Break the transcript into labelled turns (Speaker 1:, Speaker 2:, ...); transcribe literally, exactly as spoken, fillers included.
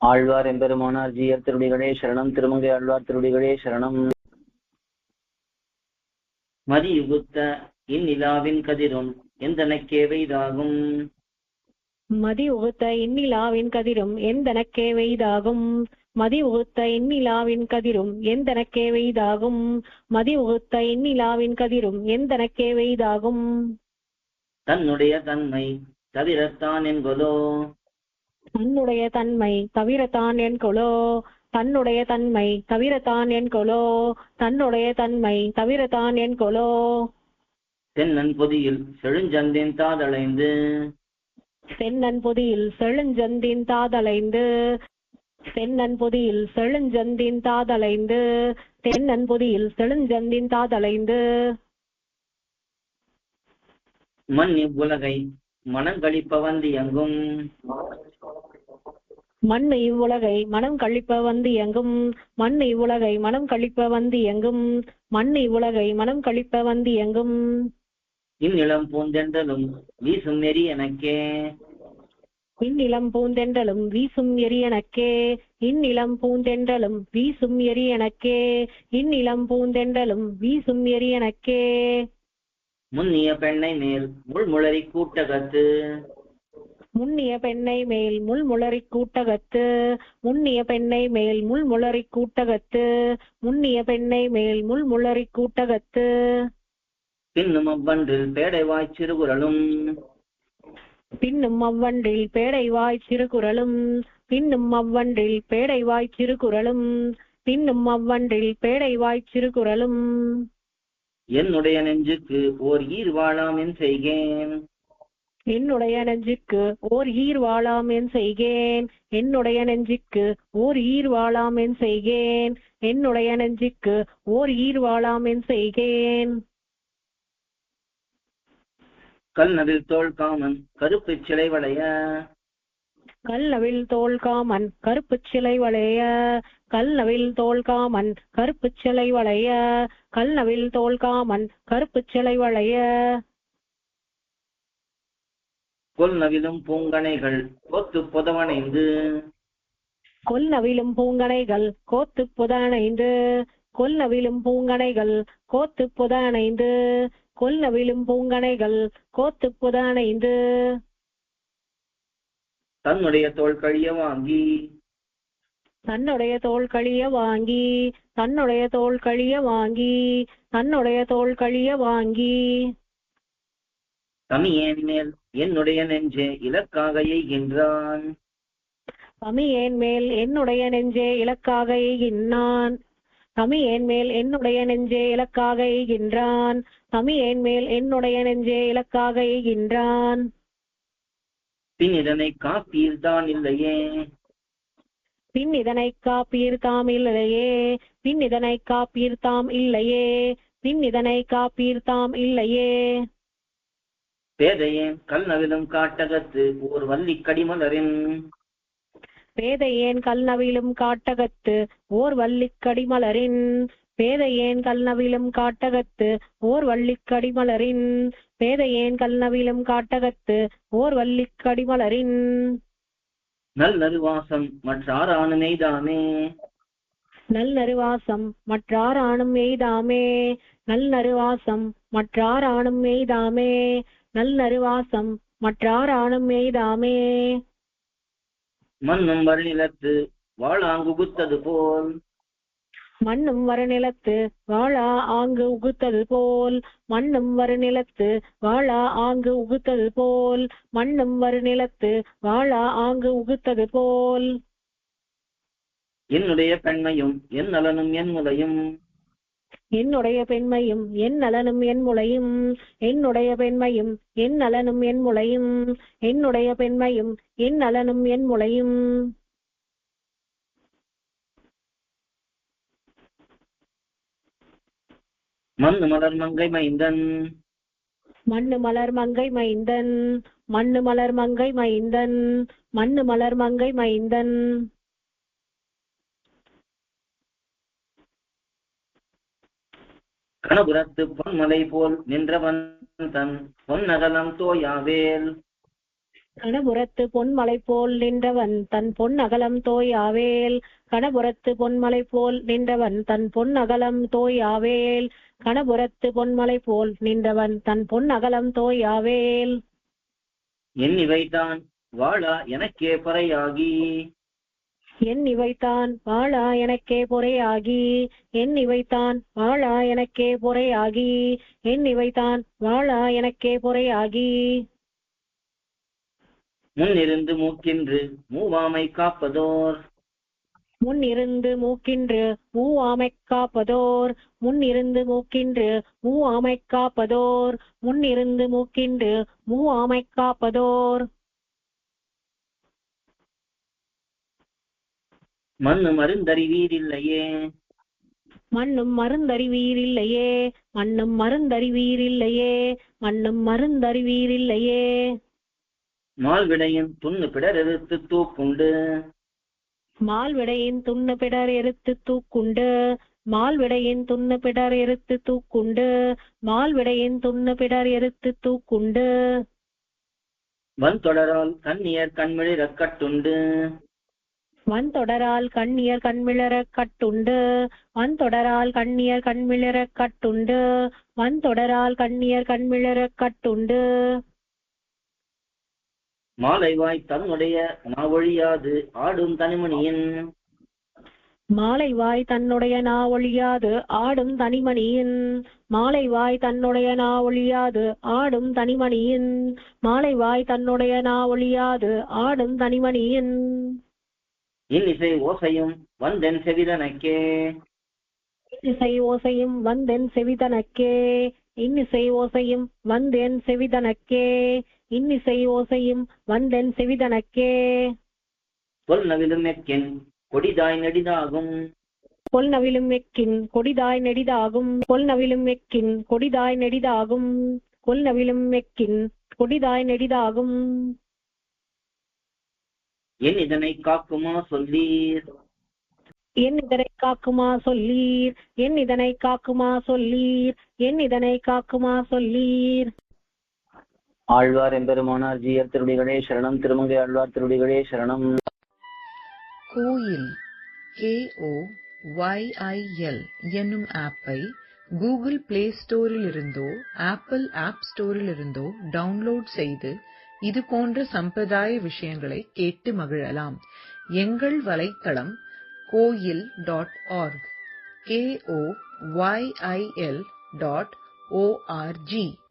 Speaker 1: ஆழ்வார் எம்பெருமானார் ஜீயர் திருடிகளே சரணம். திருமங்கை ஆழ்வார் திருடிகளே சரணம். மதியுகுத்த இந்நிலாவின் கதிரும் எந்தனக்கே வெய்தாகும்.
Speaker 2: மதி உகுத்த இந்நிலாவின் கதிரும் எந்தனக்கே வெய்தாகும். மதி உகுத்த இந்நிலாவின் கதிரும் எந்தனக்கே வெய்தாகும். மதி உகுத்த இந்நிலாவின் கதிரும் எந்தனக்கே வெய்தாகும்.
Speaker 1: தன்னுடைய தன்மை தவிரத்தான் என்கொலோ.
Speaker 2: தன்னுடைய தன்மை தவிரத்தான் என்கொலோ. தன்னுடைய தன்மை தவிரத்தான் என்கொலோ. தன்னுடைய தன்மை தவிரத்தான் என்கொலோ.
Speaker 1: தென்னன் பொதியில் செழுஞ்சந்தின் தாதளைந்து.
Speaker 2: சென்னன் பொதியில் செழுஞ்சந்தின் தாதளைந்து. சென்னன் பொதியில் செழுஞ்சந்தின் தாதளைந்து. தென்னன் பொதியில் செழுஞ்சந்தின் தாதளைந்து.
Speaker 1: மண் இவ்வுலகை மனங்களிப்ப வந்து எங்கும்.
Speaker 2: மண் இவ்வுலகை மனம் கழிப்ப வந்து எங்கும். மண் இவ்வுலகை மனம் கழிப்ப வந்து எங்கும். மண் இவ்வுலகை மனம் கழிப்ப வந்து எங்கும்.
Speaker 1: இந்நிலம் பூந்தென்றலும் வீசும் எரி எனக்கே.
Speaker 2: இந்நிலம் பூந்தென்றலும் வீசும் எரி எனக்கே. இந்நிலம் பூந்தென்றலும் வீசும் எரி எனக்கே. இந்நிலம் பூந்தென்றலும் வீசும் எரி எனக்கே.
Speaker 1: முன்னிய பெண்ணை மேல் முள்முளரி கூட்டகத்து.
Speaker 2: முன்னிய பெண்ணை மேல் முள்முளரி கூட்டகத்து. முன்னிய பெண்ணை மேல் முள்முளரி கூட்டகத்து. முன்னிய பெண்ணை மேல் முள்முளரி கூட்டகத்து.
Speaker 1: பின்னும் அவ்வன்றில் பேடைவாய் சிறுகுறளும்.
Speaker 2: பின்னும் அவ்வன்றில் பேடைவாய் சிறுகுறளும். பின்னும் அவ்வன்றில் பேடைவாய் சிறுகுறளும். பின்னும் அவ்வன்றில் பேடைவாய் சிறுகுறளும்.
Speaker 1: என்னுடைய நெஞ்சுக்கு ஓர் ஈர் வாழாம் என் செய்கேன்.
Speaker 2: என்னுடைய நெஞ்சுக்கு ஓர் ஈர் வாழாம் என் செய்கேன். என்னுடைய நெஞ்சுக்கு ஓர் ஈர் வாழாம் என் செய்கேன். என்னுடைய நெஞ்சுக்கு ஓர் ஈர் வாழாம் என் செய்கேன்.
Speaker 1: கல்நவில் தோள் காமன் கருப்பு சிலை வளைய.
Speaker 2: கல்நவில் தோள் காமன் கருப்பு சிலை வளைய. கல்நவில் தோள் காமன் கருப்பு சிலை வளைய. கல்நவில் தோள் காமன் கருப்பு சிலை வளைய.
Speaker 1: கொல்நவிலும் பூங்கனைகள் கொத்து புதவனைந்து.
Speaker 2: கொல்நவிலும் பூங்கனைகள் கோத்து புதனைந்து. கொல்நவிலும் பூங்கனைகள் கோத்து புதனைந்து. கொல்நவிலும் பூங்கனைகள் கோத்து புதனைந்து.
Speaker 1: தன்னுடைய தோள் கழிய வாங்கி.
Speaker 2: தன்னுடைய தோள் கழிய வாங்கி. தன்னுடைய தோள் கழிய வாங்கி. தன்னுடைய தோள் கழிய வாங்கி.
Speaker 1: தமியேன் மேல் என்னுடைய நெஞ்சே இலக்காக எய்கின்றான்.
Speaker 2: தமியேன் மேல் என்னுடைய நெஞ்சே இலக்காக எய்கின்றான். தமியேன் மேல் என்னுடைய நெஞ்சே இலக்காக எய்கின்றான். தமியேன் மேல் என்னுடைய நெஞ்சே இலக்காக எய்கின்றான்.
Speaker 1: பின் இதனை காப்பீர்தான் இல்லையே.
Speaker 2: பின் இதனை காப்பீர்தாம் இல்லையே. பின் இதனை காப்பீர்தாம் இல்லையே. பின் இதனை காப்பீர்தாம் இல்லையே.
Speaker 1: பேதையேன் கல்நவிலும் காட்டகத்து ஓர் வள்ளி கடிமலரின்.
Speaker 2: பேதையேன் கல்நவிலும் காட்டகத்து ஓர் வள்ளிக்கடிமலரின். பேதையேன் கல்நவிலும் காட்டகத்து ஓர் வள்ளிக்கடிமலரின். பேதையேன் கல்நவிலும் காட்டகத்து ஓர் வள்ளிக்கடிமலரின்.
Speaker 1: நல் நறுவாசம் மற்றாரானும் எய்தாமே.
Speaker 2: நல் நறுவாசம் மற்றாரானும் எய்தாமே. நல் நறுவாசம் மற்றாரானும் எய்தாமே. நல் நறுவாசம் மற்றாரானும் எய்தாமே.
Speaker 1: மண்ணும் வருநிலத்து வாழாங்குகுத்தது போல்.
Speaker 2: மண்ணும் வருநிலத்து வாழா ஆங்கு உகுத்தது போல். மண்ணும் வருநிலத்து வாழா ஆங்கு உகுத்தது போல். மண்ணும் வருநிலத்து வாழா ஆங்கு உகுத்தது போல்.
Speaker 1: என்னுடைய பெண்மையும் என் நலனும் என் முலையும்.
Speaker 2: என்னுடைய பெண்மையும் என் நலனும் என் முலையும். என்னுடைய பெண்மையும் என் நலனும் என் முலையும். என்னுடைய பெண்மையும் என் நலனும் என் முலையும்.
Speaker 1: மண்ணு மலர் மங்கை மைந்தன்.
Speaker 2: மண்ணு மலர் மங்கை மைந்தன். மண்ணு மலர் மங்கை மைந்தன். மண்ணு மலர் மங்கை மைந்தன்.
Speaker 1: கணபுரத்து பொன்மலை போல் நின்றவன் தன் பொன்னகலம் தோயாவேல்.
Speaker 2: கணபுரத்து பொன்மலை போல் நின்றவன் தன் பொன் அகலம் தோயாவேல். கணபுரத்து பொன்மலை போல் நின்றவன் தன் பொன் அகலம் தோயாவேல். கணபுரத்து பொன்மலை போல் நின்றவன் தன் பொன் அகலம் தோயாவேல்.
Speaker 1: எண்ணி வைத்தான் வாழா எனக்கே பறையாகி.
Speaker 2: எண்ணி வைத்தான் வாழா எனக்கே பொறையாகி. எண்ணி வைத்தான் வாழா எனக்கே பொறையாகி. எண்ணி வைத்தான் வாழா எனக்கே பொறையாகி.
Speaker 1: முன்னிருந்து மூக்கின்று மூவாமை காப்பதோர்.
Speaker 2: முன்னிருந்து மூக்கின்று மூவாமை காப்பதோர். முன்னிருந்து மூக்கின்று மூவாமை காப்பதோர். முன்னிருந்து மூக்கின்று மூவாமை காப்பதோர்.
Speaker 1: மண்ணு மருந்தறிவீரில்லையே.
Speaker 2: மண்ணும் மருந்தறிவீரில்லையே. மண்ணும் மருந்தறிவீரில்லையே. மண்ணும் மருந்தறிவீரில்லையே.
Speaker 1: மால்விடையின் துண்ணு பிடர் எதிர்த்து தூக்குண்டு.
Speaker 2: மால்விடையின் துண்ணு பிடர் எரித்து தூக்குண்டு. மால்விடையின் துண்ணு பிடர் எரித்து தூக்குண்டு. மால்விடையின் துண்ணு பிடர் எரித்து தூக்குண்டு.
Speaker 1: வன்தொடரால் கண்ணியர் கண்மிழிரக் கட்டுண்டு.
Speaker 2: வன்தொடரால் கண்ணியர் கண்மிளரக் கட்டுண்டு. வன்தொடரால் கண்ணியர் கண்மிளரக் கட்டுண்டு. வன்தொடரால் கண்ணியர் கண்மிளரக் கட்டுண்டு.
Speaker 1: மாலைவாய் தன்னுடைய நாவொழியாது ஆடும் தனிமணியின்.
Speaker 2: மாலைவாய் தன்னுடைய நா ஒழியாது ஆடும் தனிமணியின். மாலைவாய் தன்னுடைய நா ஒழியாது ஆடும் தனிமணியின். மாலைவாய் தன்னுடைய நா ஒழியாது ஆடும் தனிமணியின்.
Speaker 1: இன்னிசை ஓசையும் வந்தென் செவிதனக்கே.
Speaker 2: இன்னிசை ஓசையும் வந்தென் செவிதனக்கே. இன்னிசை ஓசையும் வந்தென் செவிதனக்கே. இன்னிசை ஓசையும் வந்தென் செவிதனக்கே.
Speaker 1: கொல்நவிலும் எக்கின் கொடிதாய் நெடிதாகும்.
Speaker 2: கொல்நவிலும் எக்கின் கொடிதாய் நெடிதாகும். கொல்நவிலும் எக்கின் கொடிதாய் நெடிதாகும். கொல்நவிலும் எக்கின் கொடிதாய் நெடிதாகும்.
Speaker 1: என் இதனை காக்குமா சொல்லீர்.
Speaker 2: என் இதனை காக்குமா சொல்லீர். என் இதனை காக்குமா சொல்லீர். என் இதனை காக்குமா சொல்லீர்.
Speaker 1: ஆழ்வார் எம்பெருமானார் ஜீயர் திருடிகளே சரணம். திருமங்கை ஆழ்வார் திருடிகளே சரணம்.
Speaker 3: கோயில் K O Y I L என்னும் ஆப்பை கூகுள் பிளே ஸ்டோரில் இருந்தோ ஆப்பிள் ஆப் ஸ்டோரில் இருந்தோ டவுன்லோட் செய்து இது போன்ற சம்பிரதாய விஷயங்களை கேட்டு மகிழலாம். எங்கள் வலைத்தளம் Koyil dot org K O Y I L dot O R G